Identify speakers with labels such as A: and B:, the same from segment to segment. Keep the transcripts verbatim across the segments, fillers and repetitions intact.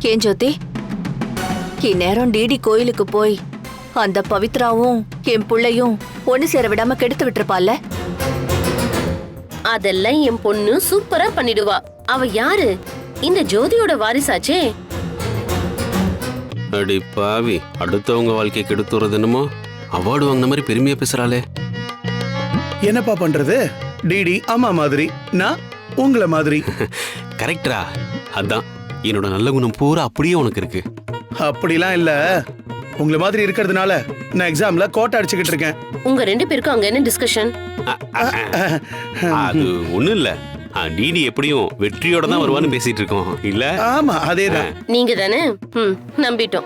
A: ஏன் ஜோதி, இந்நேரம் டிடி கோயிலுக்கு போய் அந்த பவித்ராவும் என் புள்ளையும் ஒண்ணு சேர விடாம கெடுத்து விட்டுருப்பால.
B: அதெல்லாம் என் பொண்ணு சூப்பரா பண்ணிடுவா. அவ யாரு? இந்த ஜோதியோட வாரிசாச்சே.
C: அடி பாவி, அடுத்தவங்க வாழ்க்கையை கெடுத்துறது என்னமோ அவார்டு வாங்கின மாதிரி பெருமையா பேசுறாளே.
D: என்னப்பா பண்றது? டிடி அம்மா மாதிரி, நான் உங்கள மாதிரி.
C: கரெக்டரா? அதான் என்னோட நல்ல குணம் பூரா அப்படியே உனக்கு இருக்கு.
D: அப்படிலாம் இல்ல, உங்கள மாதிரி இருக்கிறதுனால நான் எக்ஸாம்ல கோட்டை அடிச்சுக்கிட்டு இருக்கேன்.
B: உங்க ரெண்டு பேருக்கும் அங்க என்ன டிஸ்கஷன்?
C: அது ஒண்ணும் இல்ல. டிடி எப்படியும் வெற்றியோட தான் வருவான்னு பேசிட்டு இருக்கோம் இல்ல?
D: ஆமா, அதேதான்.
B: நீங்க தானே? ம், நம்பிட்டோம்.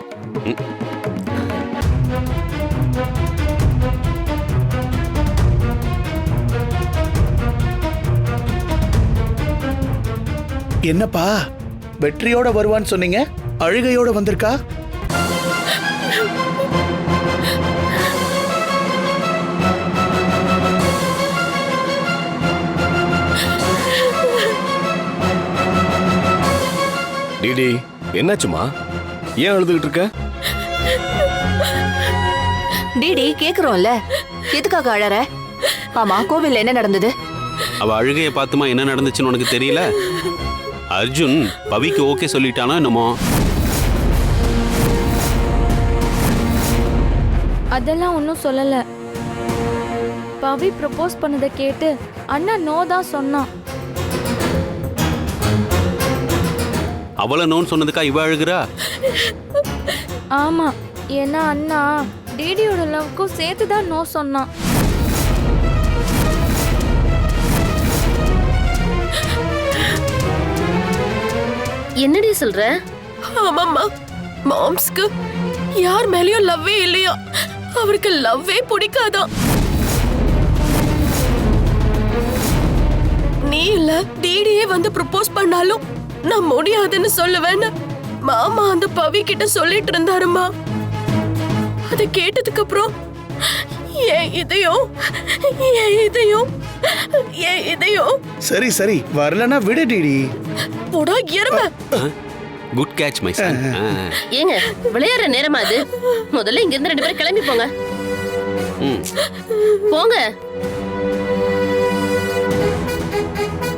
D: என்னப்பா வெற்றியோட வருவான்னு சொன்னீங்க, அழுகையோட வந்திருக்கா?
E: டிடி என்னாச்சுமா? ஏன் அழுதுகிட்டு இருக்க?
A: டிடி கேக்குறோம்ல, எதுக்காக அழற? ஆமா, கோவில்ல என்ன நடந்தது?
C: அவ அழுகைய பார்த்துமா என்ன நடந்துச்சுன்னு உனக்கு தெரியல? அர்ஜுன் பவிக்கு ஓகே சொல்லிட்டானா என்னமோ?
F: அதெல்லாம் ஒன்றும் சொல்லல. பவி ப்ரப்போஸ் பண்ணதை கேட்டு அண்ணா நோ தான் சொன்னான்.
C: அவளை நோன்னு சொன்னதுக்கா இவ அழுகுறா?
F: ஆமா, ஏன்னா அண்ணா டிடியோட லவ்க்கும் சேர்த்து தான் நோ சொன்னான்.
B: என்னடி சொல்ற?
G: ஆமாம்மா, மாம்ஸ்க்கு யார் மேலயும் லவ்வே இல்லையா, அவருக்கு லவ்வே பிடிக்காதான். நீ இல்ல டிடியே வந்து ப்ரப்போஸ் பண்ணாலும் நான் முடியாதுன்னு சொல்லுவேன்னு மாமா அந்த பவி கிட்ட சொல்லிட்டு இருந்தாருமா. அதை கேட்டதுக்கு அப்புறம் ஏன் இதயம் ஏன் இதயம் ஏன் இதயம்
D: சரி சரி, வரலன்னா விடு டிடி.
G: போடா எருமை.
C: Good catch my son.
B: ஏங்க விளையாடுற நேரமா அது? முதல்ல இங்க இருந்து ரெண்டு பேரும் கிளம்பி போங்க. போங்க.